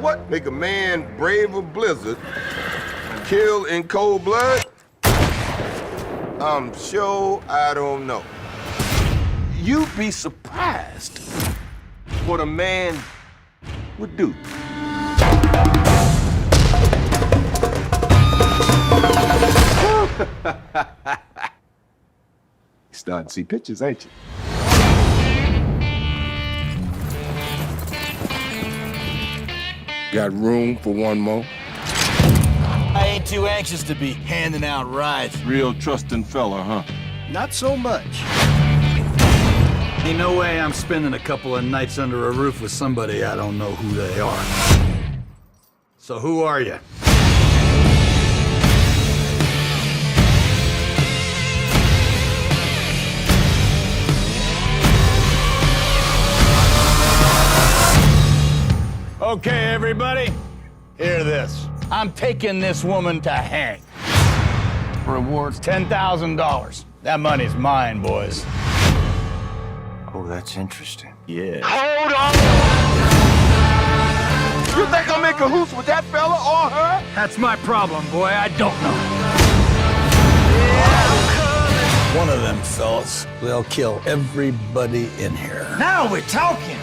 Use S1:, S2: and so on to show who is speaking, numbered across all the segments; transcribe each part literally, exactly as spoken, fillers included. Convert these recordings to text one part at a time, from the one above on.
S1: What make a man brave a blizzard, kill in cold blood? I'm sure I don't know. You'd be surprised what a man would do.
S2: You starting to see pictures, ain't you?
S1: Got room for one more?
S3: I ain't too anxious to be handing out rides.
S1: Real trusting fella, huh?
S2: Not so much.
S3: Ain't no way I'm spending a couple of nights under a roof with somebody I don't know who they are. So who are you? Okay, everybody, hear this. I'm taking this woman to hang. Reward's ten thousand dollars. That money's mine, boys.
S2: Oh, that's interesting.
S3: Yeah.
S1: Hold on! You think I'm in cahoots with that fella or her?
S3: That's my problem, boy. I don't know. One of them fellas will kill everybody in here.
S4: Now we're talking.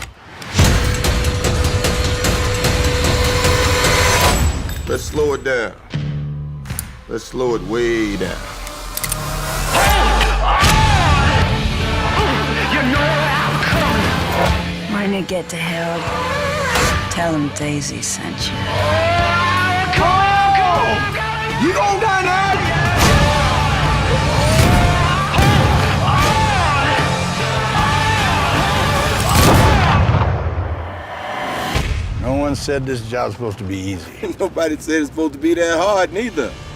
S1: Let's slow it down. Let's slow it way down.
S5: When you get to Harold, tell him Daisy sent you.
S1: You gon' die now?
S3: No one said this job's supposed to be easy.
S2: Nobody said it's supposed to be that hard, neither.